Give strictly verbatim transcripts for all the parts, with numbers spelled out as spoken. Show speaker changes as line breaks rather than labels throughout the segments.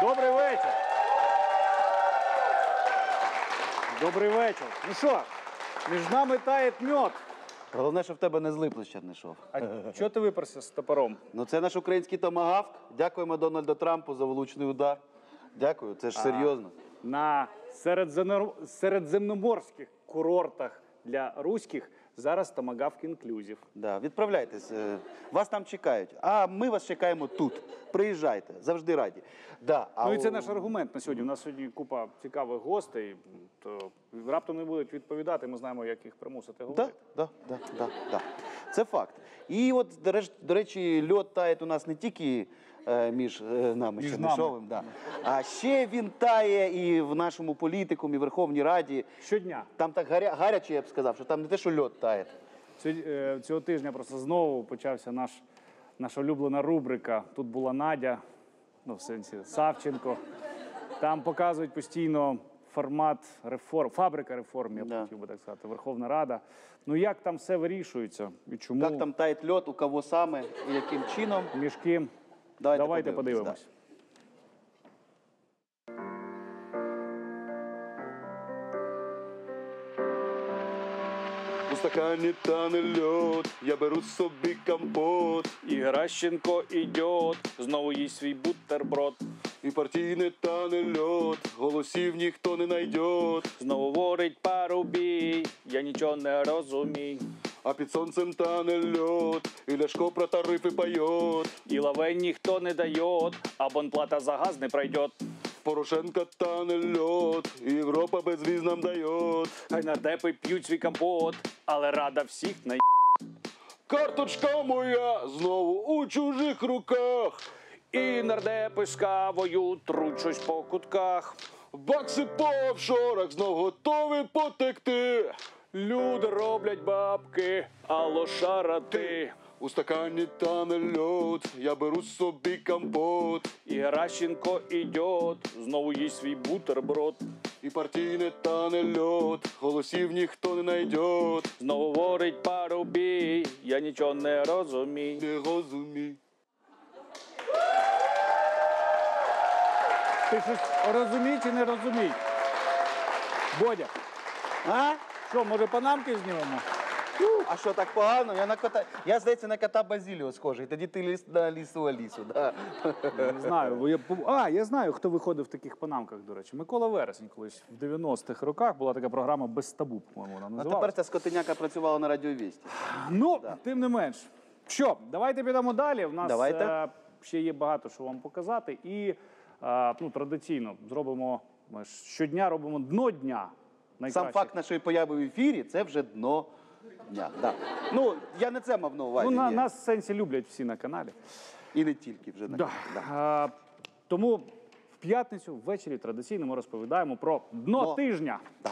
Добрий вечір. Добрий вечір. Ну що, між нами тає мед.
Головне, щоб в тебе не злипло ще не йшов.
А чого ти виперся з топором?
Ну це наш український томагавк. Дякуємо Дональду Трампу за влучний удар. Дякую, це ж серйозно.
На середземно... середземноморських курортах для руських зараз томагавк інклюзив.
Да, відправляйтесь, е, вас там чекають. А ми вас чекаємо тут. Приїжджайте, завжди раді. Да, а
Ну і це
у-
наш аргумент на сьогодні. У нас сьогодні купа цікавих гостей, то раптом не будуть відповідати, ми знаємо, як їх примусити говорити.
Да, да, да, да, да. Це факт. І от, до реч- до речі, льод тає у нас не тільки е, між е, нами,
Між
Чернишовим, да. А ще він тає і в нашому політикумі, Верховній Раді.
Щодня.
Там так гаря, гаряче, я б сказав, що там не те, що льод тає.
Цього, е, цього тижня просто знову почався наш, наша улюблена рубрика. Тут була Надя, ну в сенсі Савченко. Там показують постійно формат реформ, фабрика реформ, я б
Да.
хотів би так сказати, Верховна Рада. Ну як там все вирішується і чому?
Як там тає льод, у кого саме і яким чином.
Між ким?
Давайте,
Давайте
подивимось,
подивимось.
У стакані тане льод, я беру собі компот.
І Геращенко ідет, знову їсть свій бутерброд.
І партійне тане льод, голосів ніхто не найдет.
Знову говорить Парубій, я нічого не розумію.
А під сонцем тане льод, і Ляшко про тарифи поет.
І лавень ніхто не дає, а бонплата за газ не пройде.
Порошенка тане льод, і Європа безвіз нам дает.
Хай нардепи п'ють свій компот, але рада всіх на
Карточка моя знову у чужих руках.
І нардепи з кавою труть щось по кутках.
Бакси по офшорах знов готові потекти.
Люди роблять бабки, а лошара ти.
У стакані тане льод, я беру собі компот.
І Геращенко ідет, знову їсть свій бутерброд.
І партійне тане льод, голосів ніхто не найдет.
Знову говорить Парубій, я нічого не розумію.
Не розумій.
Ти щось розумій чи не розумій? Бодя,
А?
що, може панамки знімемо?
А що, так погано? Я, на кота... я здається, на кота Базіліо схожий. Тоді ти ліс на лісу Алісу. Да.
Не знаю. бо Я... А, я знаю, хто виходив в таких панамках, до речі. Микола Вересень колись в дев'яностих роках була така програма «Без табу», по-моєму, вона
А
називалася.
тепер ця скотиняка працювала на радіовісті.
Ну, тим не менш. Що, давайте підемо далі. У нас
Давайте.
е, ще є багато що вам показати. І е, ну, традиційно зробимо, ми ж щодня робимо дно дня.
Сам
найкращих.
факт нашої появи в ефірі – це вже дно дня. Да. Ну, я не це мав на увазі.
Ну, на,
ні.
нас в сенсі люблять всі на каналі.
І не тільки вже. На...
Да.
Да.
Е, тому в п'ятницю ввечері традиційно ми розповідаємо про дно
Дно.
тижня.
Да.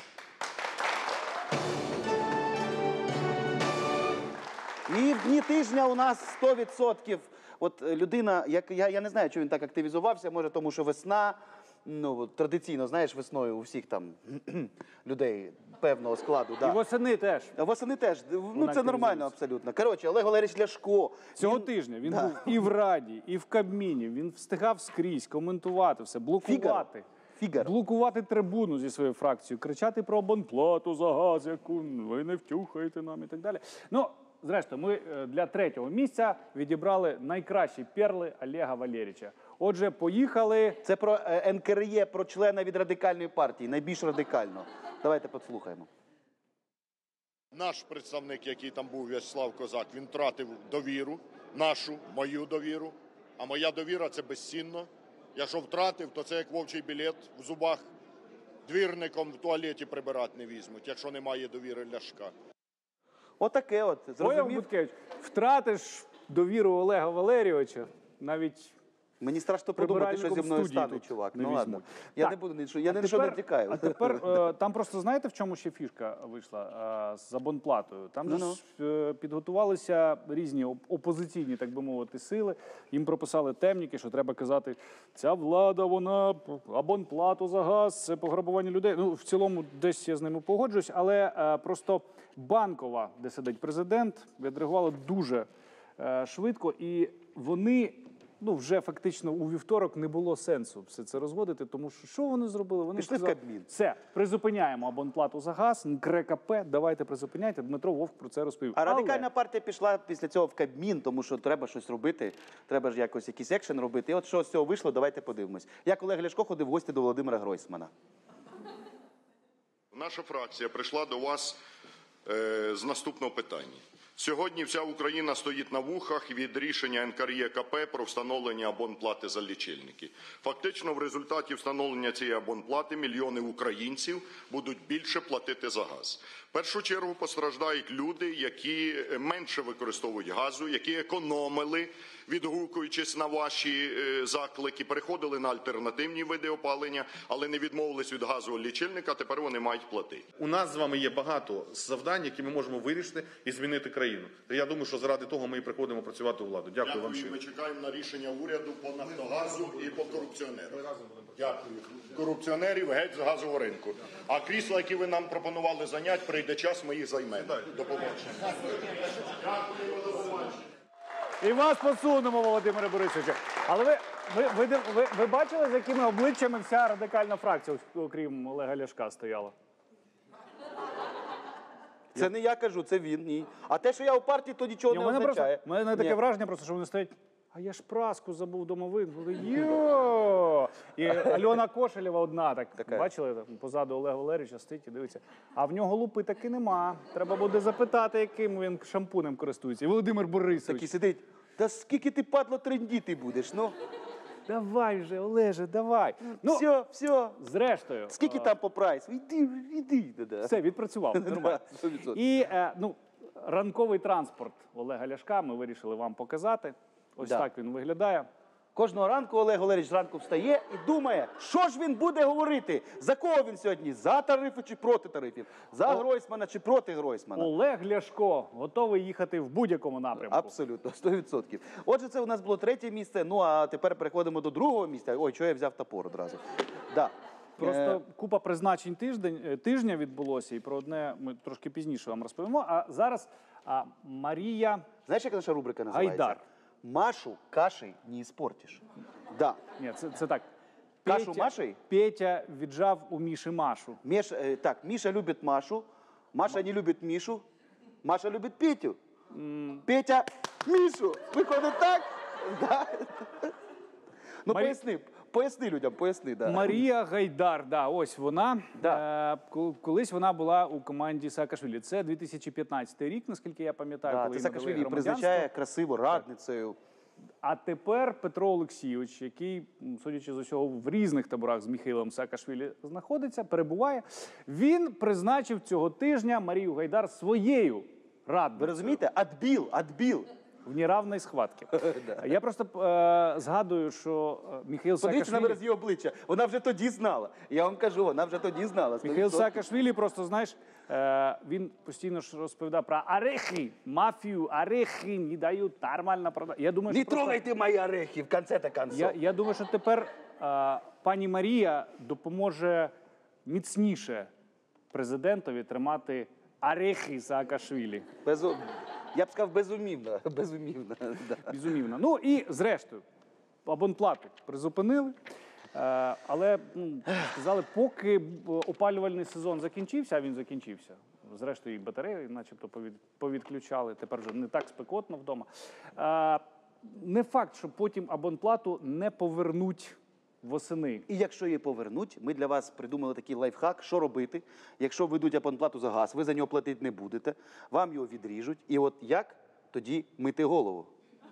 І в дні тижня у нас сто відсотків от е, людина, як, я, я не знаю, чому він так активізувався, може тому, що весна, ну, от традиційно, знаєш, весною у всіх там людей певного складу. Да.
І восени теж.
А восени теж, ну це
активізується.
нормально абсолютно. Коротше, Олег Валерійович Ляшко.
Цього
він-
тижня він
Да.
був і в Раді, і в Кабміні. Він встигав скрізь коментувати все, блокувати.
Фігаро.
Блокувати трибуну зі своєю фракцією, кричати про абонплату за газ, яку ви не втюхаєте нам і так далі. Ну, зрештою, ми е, для третього місця відібрали найкращі перли Олега Валерійовича. Отже, поїхали.
Це про е, ен ка ер є, про члена від радикальної партії, найбільш радикально. Давайте послухаємо.
Наш представник, який там був, В'ячеслав Козак, він втратив довіру, нашу, мою довіру. А моя довіра – це безцінно. Якщо втратив, то це як вовчий білет в зубах. Двірником в туалеті прибирати не візьмуть, якщо немає довіри Ляшка.
Отаке от,
Появ
зрозумів?
Буткевич, втратиш довіру Олега Валерійовича, навіть
Мені страшно подумати, що зі
прибиральником
мною
студії
стане,
тут
чувак.
не
Ну
візьмуть.
ладно. Я
Так.
не буду нічого, я
А
ні на що не
тепер-
втікаю.
А тепер е, там просто знаєте, в чому ще фішка вийшла е, з абонплатою? Там же
Ну-ну.
ж, е, підготувалися різні оп- опозиційні, так би мовити, сили. Їм прописали темніки, що треба казати, ця влада, вона абонплату за газ, це пограбування людей. Ну, в цілому десь я з ними погоджуюсь, але е, просто Банкова, де сидить президент, відреагувала дуже е, швидко, і вони ну, вже фактично у вівторок не було сенсу все це розводити, тому що що вони зробили? Вони
Пішли в
сказали,
Кабмін.
все, призупиняємо абонплату за газ, НКРЕКП, давайте призупиняйте. Дмитро Вовк про це розповів.
А
Але
радикальна партія пішла після цього в Кабмін, тому що треба щось робити, треба ж якось якийсь екшен робити. І от що з цього вийшло, давайте подивимось. Як Олег Ляшко ходив в гості до Володимира Гройсмана.
Наша фракція прийшла до вас е, з наступного питання. Сьогодні вся Україна стоїть на вухах від рішення НКРЕКП про встановлення абонплати за лічильники. Фактично, в результаті встановлення цієї абонплати мільйони українців будуть більше платити за газ. В першу чергу постраждають люди, які менше використовують газу, які економили, відгукуючись на ваші е, заклики, переходили на альтернативні види опалення, але не відмовились від газового лічильника, тепер вони мають платити.
У нас з вами є багато завдань, які ми можемо вирішити і змінити країну. Я думаю, що заради того ми і приходимо працювати у владу. Дякую, вам
Дякую.
щиро.
Ми чекаємо на рішення уряду по Нафтогазу і по корупціонерам. Дякую. Корупціонерів геть з газового ринку. А крісла, які ви нам пропонували зайняти, прийде час, ми їх займемо. До побачення. Дякую, до побачення.
І вас посунемо, Володимире Борисовичу. Але ви, ви, ви, ви, ви, ви бачили, з якими обличчями вся радикальна фракція, окрім Олега Ляшка, стояла?
Це не я кажу, це він, ні. А те, що я у партії, то нічого
Ні,
не
у мене
означає.
просто, у мене таке
Ні.
враження, просто, що вони стоять, а я ж праску забув домовин. Йо! І Альона Кошелєва одна, так,
Така.
бачили, там, позаду Олега Валерійовича стоїть і дивиться. А в нього лупи таки нема. Треба буде запитати, яким він шампунем користується. І Володимир Борисович.
Такий сидить, та скільки ти, падло, трендіти будеш, ну.
Давай вже, Олеже, давай. Ну,
все, все.
зрештою.
Скільки там по прайсу? Іди, іди. Да-да.
Все, відпрацював. Нормально.
Да, сто відсотків.
І е, ну, ранковий транспорт Олега Ляшка ми вирішили вам показати. Ось
Да.
так він виглядає.
Кожного ранку Олег Валерійович зранку встає і думає, що ж він буде говорити, за кого він сьогодні, за тарифи чи проти тарифів, за Гройсмана чи проти Гройсмана.
Олег Ляшко готовий їхати в будь-якому напрямку.
Абсолютно, сто відсотків. Отже, це у нас було третє місце, ну а тепер переходимо до другого місця. Ой, чого я взяв топор одразу. Да.
Просто
Е,
купа призначень тиждень, е, тижня відбулося, і про одне ми трошки пізніше вам розповімо. А зараз а, Марія
Знаєш, як наша рубрика називається?
Гайдар.
Машу кашей не іспортиш. Да.
Ні, це, це так.
Кашу
Петя,
Машею?
Петя віджав у Міші Машу.
Міш, е, так, Міша любить Машу, Маша не любить Мішу, Маша любить Петю. Петя Мішу. Виходить так? Да. Ну,
Марі-
поясни, поясни людям, поясни. Да.
Марія Гайдар, да, ось вона.
Да.
Е, ко- колись вона була у команді Саакашвілі. Це дві тисячі п'ятнадцятий рік, наскільки я пам'ятаю,
Да,
коли
це
їй надали
Саакашвілі
громадянство.
призначає красиво радницею.
А тепер Петро Олексійович, який, м, судячи з усього, в різних таборах з Міхаїлом Саакашвілі знаходиться, перебуває, він призначив цього тижня Марію Гайдар своєю
Ви
радницею
розумієте? Адбіл, адбіл.
в неравній схватці. Я просто е, згадую, що е, Міхаїл
Подивіться на
Саакашвілі...
вираз її обличчя. Вона вже тоді знала. Я вам кажу, вона вже тоді знала. сто
Міхаїл
відсотків.
Саакашвілі просто, знаєш, е, він постійно ж розповідав про орехи, мафію, орехи не дають нормально продати. Я думаю,
Не
що просто...
трогайте мої орехи, в конце-то концов.
Я, я думаю, що тепер е, пані Марія допоможе міцніше президентові тримати орехи Саакашвілі.
Безу... Я б сказав, безумівно. Безумівно. Да.
Безумівно. Ну і зрештою, абонплату призупинили. Е, але ну, сказали, поки б опалювальний сезон закінчився, а він закінчився. Зрештою, і батареї начебто повід, повідключали, тепер вже не так спекотно вдома. Е, не факт, що потім абонплату не повернуть восени.
І якщо її повернуть, ми для вас придумали такий лайфхак, що робити. Якщо ведуть абонплату за газ, ви за нього платити не будете, вам його відріжуть. І от як тоді мити голову?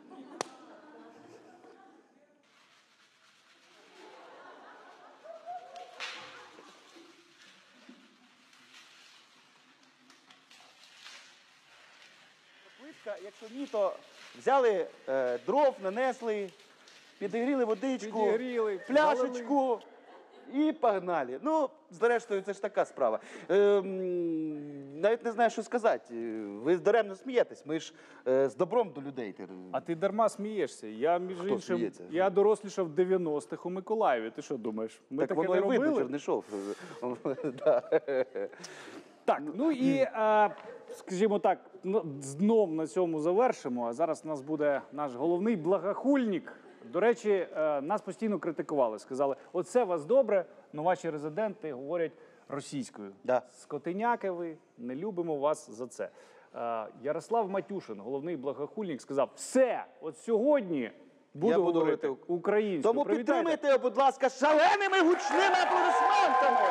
Плитка, якщо ні, то взяли е, дров, нанесли, підігріли водичку,
Підігріли,
пляшечку і погнали. Ну, зрештою, це ж така справа. Ем, навіть не знаю, що сказати. Ви даремно смієтесь, ми ж е, з добром до людей.
А ти дарма смієшся. Я, між
Хто
іншим,
сміється?
я дорослішав в дев'яностих у Миколаєві. Ти що думаєш? Ми
Так
таке
воно
не
і видно,
робили?
Чернишов. Да.
Так, ну і, е, скажімо так, ну, знов на цьому завершимо. А зараз у нас буде наш головний благохульник До речі, е, нас постійно критикували. Сказали, оце у вас добре, але ваші резиденти говорять російською.
Да.
Скотиняки ви, не любимо вас за це. Е, Ярослав Матюшин, головний благохульник, сказав, все, от сьогодні буду,
Я буду
говорити
говорити
українською.
Тому
Привітайте.
підтримайте його, будь ласка, шаленими гучними аплодисментами.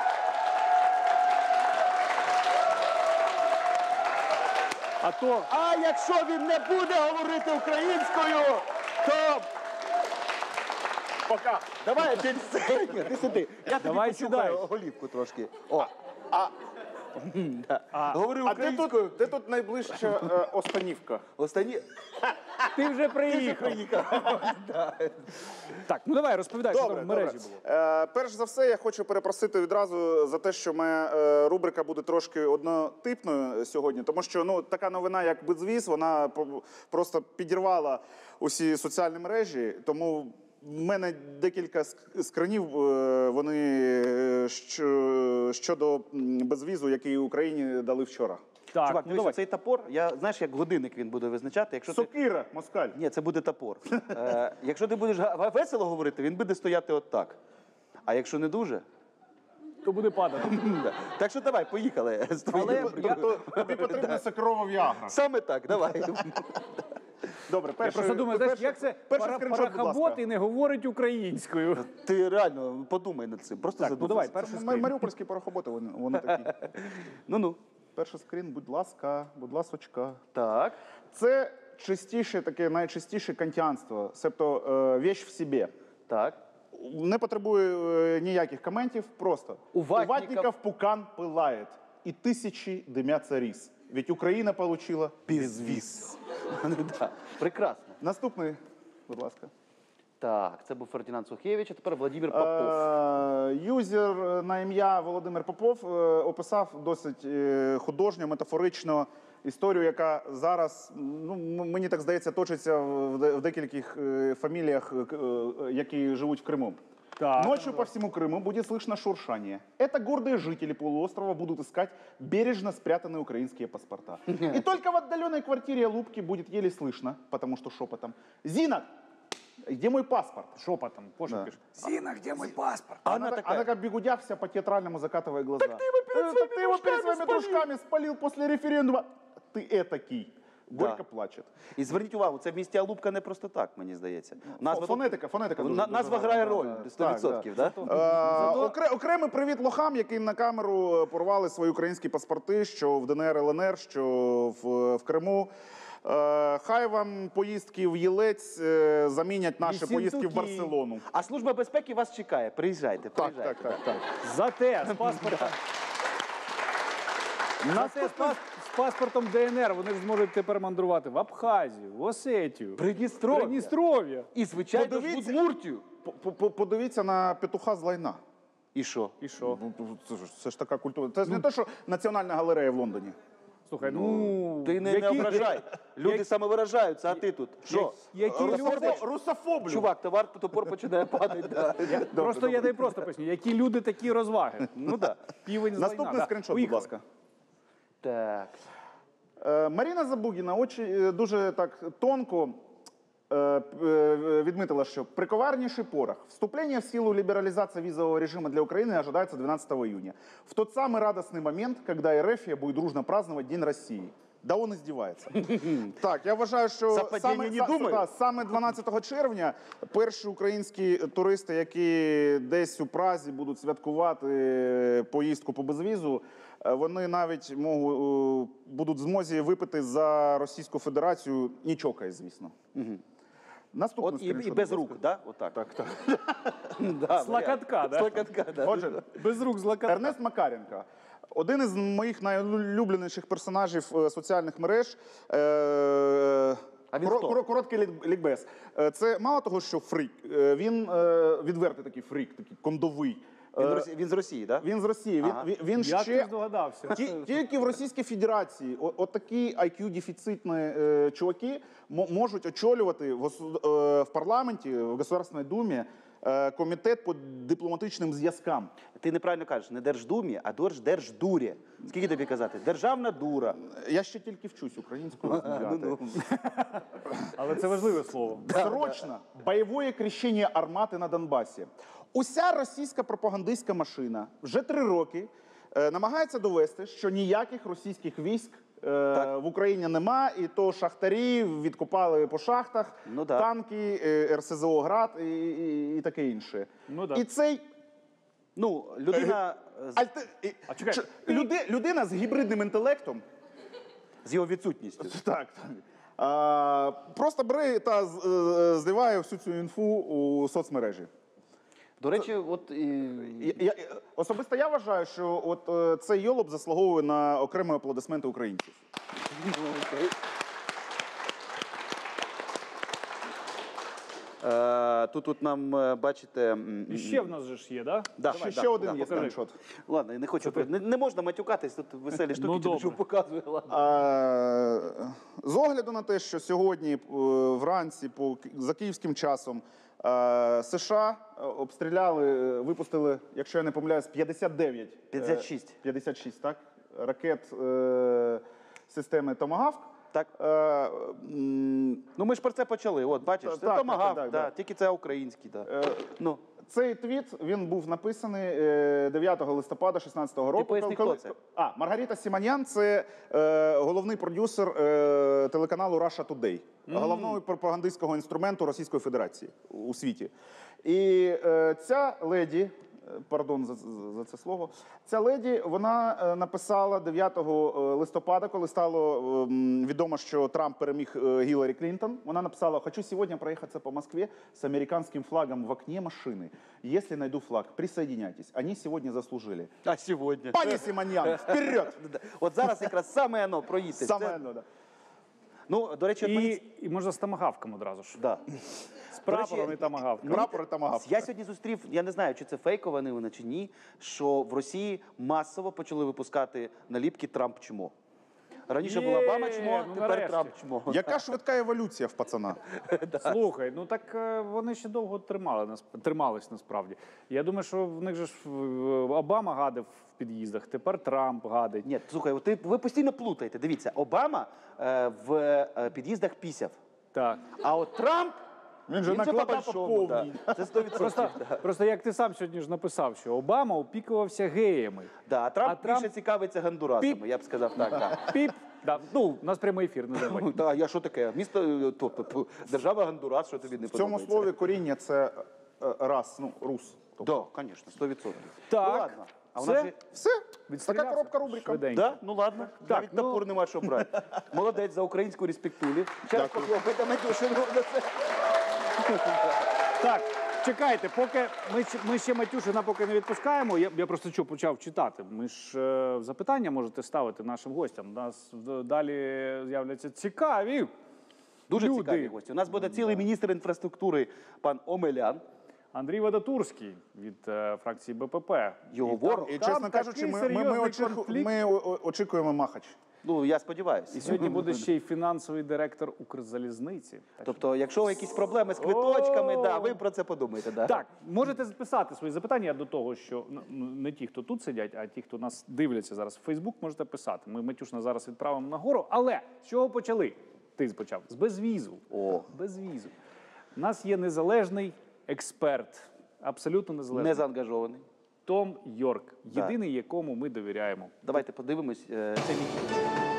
А то
А якщо він не буде говорити українською, то...
Пока.
Давай, ти, Ні, ти сюди. Я тобі
Давай
почухаю
сідай.
голівку трошки. О. А, да. Говори
А де
українською.
тут, де тут найближча е, Останівка?
Останні...
ти вже приїхав. Так, ну давай, розповідай, що там в мережі було.
Е, перш за все, я хочу перепросити відразу за те, що моя е, рубрика буде трошки однотипною сьогодні, тому що ну, така новина, як безвіз, вона по- просто підірвала усі соціальні мережі, тому в мене декілька ск- скринів, е, вони е, що, щодо м, безвізу, який Україні дали вчора.
Так,
Чувак,
ну
дивися,
давай.
цей топор, я, знаєш, як годинник він буде визначати. Якщо ти...
Сокира, москаль.
Ні, це буде топор. Е, якщо ти будеш га- весело говорити, він буде стояти отак. А якщо не дуже...
То буде падати.
Да. Так що давай, поїхали. з твоєю
Але
рубрикою.
Тобто тобі потрібна сокирова віагра.
Саме так, давай.
Добре,
Я
перший,
просто думаю, знаєш,
перший-
як це
перший
пара,
скріншот, будь
парахабот
ласка.
і не говорить українською.
Ти реально подумай над цим. Просто
Так, ну
задумайся.
давай, перший
М-
скрін.
Маріупольські порохоботи, вони, вони такі.
Ну-ну.
Перший скрін, будь ласка, будь ласочка.
Так.
Це чистіше, таке найчистіше кантіанство, себто е, вещь в собі.
Так.
Не потребує е, ніяких коментів, просто.
У ватников-
ватников пукан пылает, и тысячи дымятся рис. Ведь Україна получила безвіз.
Да. Прекрасно.
Наступний, будь ласка.
Так, це був Фердинанд Сухевич, а тепер Владимир Попов.
Е, Юзер на ім'я Володимир Попов е, описав досить е, художньо, метафорично історію, яка зараз, ну, м- мені так здається, точиться в де- в декількох е, фаміліях, е, е, які живуть в Криму.
Так.
Ночью по всему Крыму будет слышно шуршание. Это гордые жители полуострова будут искать бережно спрятанные украинские паспорта. И только в отдаленной квартире Лубки будет еле слышно, потому что шепотом: «Зина, где мой паспорт?»
Шепотом, пошепки.
Да.
пишеш. Зіна, де мій паспорт?
А
Она,
она
так-
такая.
она как бегудя вся по-театральному закатывая глаза. Так ты его перед своими, ты его перед своими дружками спалил после референдума. Ты этакий. Горько
Да.
плачет.
І зверніть увагу, це в місті Алубка не просто так, мені здається. Назва,
Фонетика, фонетика. дуже-
на-
дуже
назва
гарна,
грає
да,
роль,
да.
сто
Так,
відсотків,
да.
да?
Е, окре- Окремий привіт лохам, які на камеру е, порвали свої українські паспорти, що в ДНР, ЛНР, що в, в Криму. Е, Хай вам поїздки в Єлець е, замінять наші
Вісінтуки.
поїздки в Барселону.
А Служба безпеки вас чекає. Приїжджайте,
Так,
приїжджайте.
так, так, так.
Зате з паспортом. Зате з, пас- з паспортом ДНР вони ж зможуть тепер мандрувати в Абхазію, в Осетію,
Придністров'я.
Придністров'я.
І, звичайно, ж в
Подивіться.
Удмуртію.
По- по- Подивіться на петуха з лайна.
І що?
І що?
Ну, Це ж, це ж така культура. Це ж не те, що Національна галерея в Лондоні.
Слухай, ну...
Ти не,
які-
не ображай. Люди
які-
самовиражаються, а ти тут. Що?
Які люди...
Русофо- Русофоблю.
Чувак, товар топор починає падати. Да.
Просто я дай просто поясню, які люди такі розваги.
Ну так.
Півень з
Наступний
лайна. Да.
скріншот, будь
Поїхали.
ласка.
Так.
Е, Маріна Забугіна очі е, дуже так тонко е, е, відмітила, що при коварнейший порох. Вступление в силу либерализации визового режима для Украины ожидается двенадцатого июня. В тот самый радостный момент, когда РФ будет дружно праздновать День России. Да он издевается. Так, я вважаю, що
Совпадіння не думаю.
та, саме дванадцятого червня перші українські туристи, які десь у Празі будуть святкувати поїздку по безвізу, е, вони навіть можуть, будуть в змозі випити за Російську Федерацію нічока, звісно. Наступний
От і,
скріншот,
і без
будь
рук,
ласка.
да? Отак.
Так, так.
Да,
З локотка, да?
З локотка, да.
Отже,
Без рук з лакатка.
Ернест Макаренко. Один із моїх найулюбленіших персонажів е, соціальних мереж. Е,
А він
коро-
хто?
коро- Короткий лік- лікбез. Е, Це мало того, що фрік. е, Він е, відвертий такий фрік, такий кондовий.
Він,
Е,
Росі- він з Росії, так? Да?
Він з Росії. Він,
Ага.
він, він
Як
ще
ти здогадався?
Ті- тільки в Російській Федерації о- отакі ай кью-дефіцитні е, чуваки мо- можуть очолювати в, ос- е, в парламенті, в Государственній Думі е, комітет по дипломатичним зв'язкам.
Ти неправильно кажеш, не Держдумі, а Держ- Держдурі. Скільки тобі казати? Державна дура.
Я ще тільки вчусь українською розмовляти.
Ну,
Але це важливе слово.
Срочно бойове крещення армати на Донбасі. Уся російська пропагандистська машина вже три роки е, намагається довести, що ніяких російських військ е, в Україні нема, і то шахтарі відкопали по шахтах,
Ну да.
танки, е, ер се зе о «Град» і, і, і таке інше.
Ну да.
І цей
Ну, людина з,
альте... і-
А чекай.
Ч- люди, людина з гібридним інтелектом
з його відсутністю.
так, так. А, просто бере та з- е, зливає всю цю інфу у соцмережі.
До речі, от і...
Я, я, особисто я вважаю, що от е, цей йолоп заслуговує на окремі аплодисменти українців.
Е, тут, тут нам, е, бачите... м,
І ще в нас же ж є, да?
Да,
ще
давай,
ще
да,
один
да,
є
покажи.
скріншот.
Ладно, я не хочу. Не, не можна матюкатись, тут веселі штуки,
Ну,
тільки
добре.
що показує. Ладно.
А, з огляду на те, що сьогодні е, вранці по, Ки- за київським часом е, США е, обстріляли, е, випустили, якщо я не помиляюсь, п'ятдесят дев'ять. е,
п'ятдесят шість.
п'ятдесят шість, так? Ракет е, системи «Томагавк».
Так.
Е, м,
Ну ми ж про це почали. От, бачиш,
Так,
це
так,
томагавк,
так, так,
да,
так.
тільки це український. Да.
е,
Ну,
Цей твіт, він був написаний е, дев'ятого листопада шістнадцятого року.
поясни,
коли-
хто це?
А, Маргарита Сіманян – це е, головний продюсер е, телеканалу Russia Today, головного пропагандистського інструменту Російської Федерації у світі. І е, ця леді, е, пардон за, за- за це слово, ця леді, вона е, написала дев'ятого листопада, коли стало е, м, відомо, що Трамп переміг е, Гіларі Клінтон, вона написала: «Хочу сьогодні проїхатися по Москве с американским флагом в окне машины. Если найду флаг, присоединяйтесь. Они сегодня заслужили».
а сьогодні?
Пані Сіманян, вперед!
От зараз якраз саме воно проїти.
Саме,
Це-
ну, да.
Ну, до речі, от мені...
І, і можна з тамагавком одразу ж.
Да.
З прапором і тамагавком.
Прапори томагавк.
Я сьогодні зустрів, я не знаю, чи це фейкова новина, чи ні, що в Росії масово почали випускати наліпки «Трамп чмо». Раніше була
Є,
Обама чмо,
ну,
тепер
нарешті.
Трамп чмо.
Яка швидка еволюція в пацана?
Слухай, ну так е, вони ще довго тримали, насп- тримались насправді. Я думаю, що в них же ж е, Обама гадив в під'їздах, тепер Трамп гадить.
Ні, слухай, от ти, ви постійно плутаєте. Дивіться, Обама е, в е, під'їздах пісяв,
Так.
а от Трамп,
Він же накладав
по-большому,
повній.
да. Це сто відсотків.
Просто, просто як ти сам сьогодні ж написав, що Обама опікувався геями.
Да, а Трамп
А Трамп-
більше цікавиться гондурасами,
Піп.
я б сказав так. так.
Піп. Да, ну, у нас прямий ефір, не забудь.
Ну, та, я що таке? Місто, е, то, п- п- держава Гондурас, що тобі не
В цьому
подобається?
слові коріння це е, рас, ну, рус. Тобто,
Да, звісно, сто відсотків.
Так,
Ну ладно. А
це-
вона ж...
все,
Відстрілявся
така коробка рубрика.
швиденько.
Да? Ну ладно, навіть
ну-
топор нема що брати. Молодець за українську респектулі. Ще раз
Дякую.
похлопайте Матюшину за це.
Так, чекайте, поки ми, ще- ми ще Матюшина поки не відпускаємо. Я, я просто що почав читати. Ми ж е, запитання можете ставити нашим гостям. У нас е, далі з'являться цікаві.
Дуже
люди.
цікаві гості. У нас буде цілий міністр інфраструктури пан Омелян.
Андрій Вадатурський від е, фракції Б П П.
Його ворог.
І,
Там
чесно кажучи,
такий
ми, ми, ми,
серйозний
очіку-
конфлікт.
ми о- о- очікуємо Махач.
Ну, я сподіваюся.
І сьогодні буде ще й фінансовий директор Укрзалізниці. Так,
Тобто, якщо якісь проблеми з квиточками,
О!
да, ви про це подумайте. Да?
Так, можете записати свої запитання до того, що ну, не ті, хто тут сидять, а ті, хто нас дивляться зараз в Фейсбук, можете писати. Ми Матюшна зараз відправимо нагору. Але з чого почали? Ти почав з безвізу.
О.
Безвізу. У нас є незалежний експерт, абсолютно незалежний.
Не заангажований.
Том Йорк,
Да.
єдиний, якому ми довіряємо.
Давайте подивимось. е, Це мій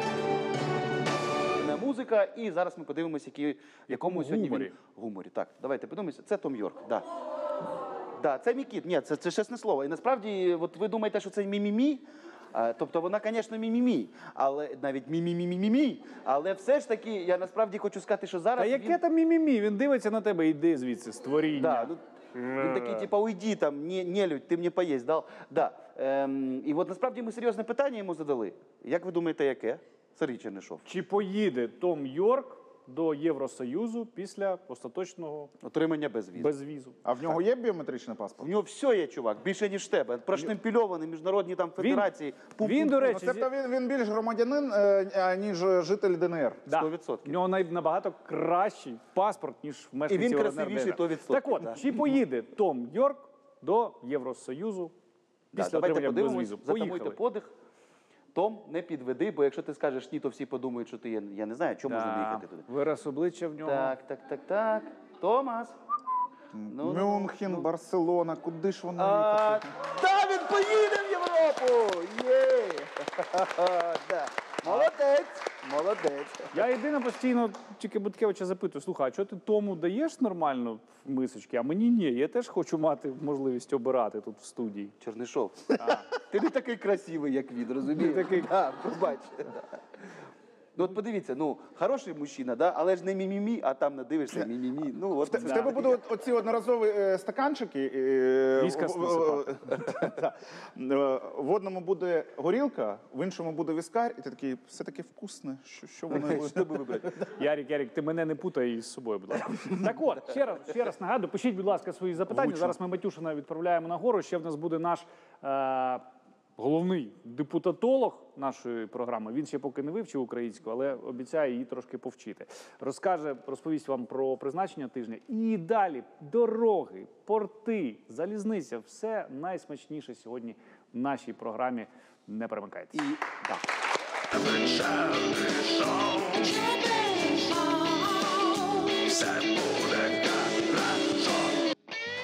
Не музика, і зараз ми подивимось, які, якому сьогодні
гуморі.
він гуморі. Так, давайте подивимося. Це Том Йорк. Да. Да, це мій кіт. Ні, це, це чесне слово. І насправді, от ви думаєте, що це мі-мі-мі? А, тобто вона, звісно, мі-мі-мі, але навіть мі-мі-мі-мі-мі. Але все ж таки, я насправді хочу сказати, що зараз
Та яке
він...
там мімімі? Він дивиться на тебе, йди звідси, створіння.
Да, ну, він такий, типа, уйди там, не, не людь, ти мені поїсть дав. Да. Ем, і от насправді ми серйозне питання йому задали. Як ви думаєте, яке? Сергій Чернишов.
Чи поїде Том Йорк до Євросоюзу після остаточного
Отримання безвізу.
безвізу.
А в нього є біометричний паспорт?
У нього все є, чувак, більше, ніж в тебе. Проштемпільований, міжнародні там федерації. Пу-
Він,
пу-
до
Ну,
речі, зі-
тобто він, він більш громадянин, е, ніж житель ДНР.
Да.
сто відсотків.
В нього най- набагато кращий паспорт, ніж в мешканців
І він
ЛНР,
красивіший,
ДНР.
то відсотків,
Так от,
да.
чи поїде Том Йорк до Євросоюзу
Да,
після
давайте
отримання
подивимось,
безвізу?
затамуйте
Поїхали.
подих. Том, не підведи, бо якщо ти скажеш ні, то всі подумають, що ти є. Я не знаю, чому можна не
Да.
їхати туди.
Вираз обличчя в нього.
Так, так, так, так. Томас. Ну, ну,
Мюнхен,
ну.
Барселона, куди ж воно
А,
їхати?
та він поїде в Європу! Є! Да. Молодець! Молодець!
Я єдине постійно тільки Буткевича запитую, слухай, а чого ти тому даєш нормально в мисочки, а мені ні. Я теж хочу мати можливість обирати тут в студії.
Чернишов, ти не такий красивий, як він, розумієш?
Не такий.
Да, побач. Ну от подивіться, ну, хороший мужчина, да? Але ж не мімімі, а там надивишся мімімі. Ну, от,
В тебе будуть оці одноразові е, стаканчики. е,
Віскас
в- в- Да. Е, В одному буде горілка, в іншому буде віскар, і ти такий, все таки вкусне. Що, що воно буде?
Що би вибрати?
Ярік, Ярік, ти мене не путай із собою, будь ласка. Так от, ще раз, ще раз нагадую, пишіть, будь ласка, свої запитання. Зараз ми Матюшина відправляємо нагору. Ще в нас буде наш е, головний депутатолог нашої програми. Він ще поки не вивчив українську, але обіцяє її трошки повчити. Розкаже, розповість вам про призначення тижня. І далі дороги, порти, залізниця. Все найсмачніше сьогодні в нашій програмі. Не перемикайтеся.
І, да.
Забыл,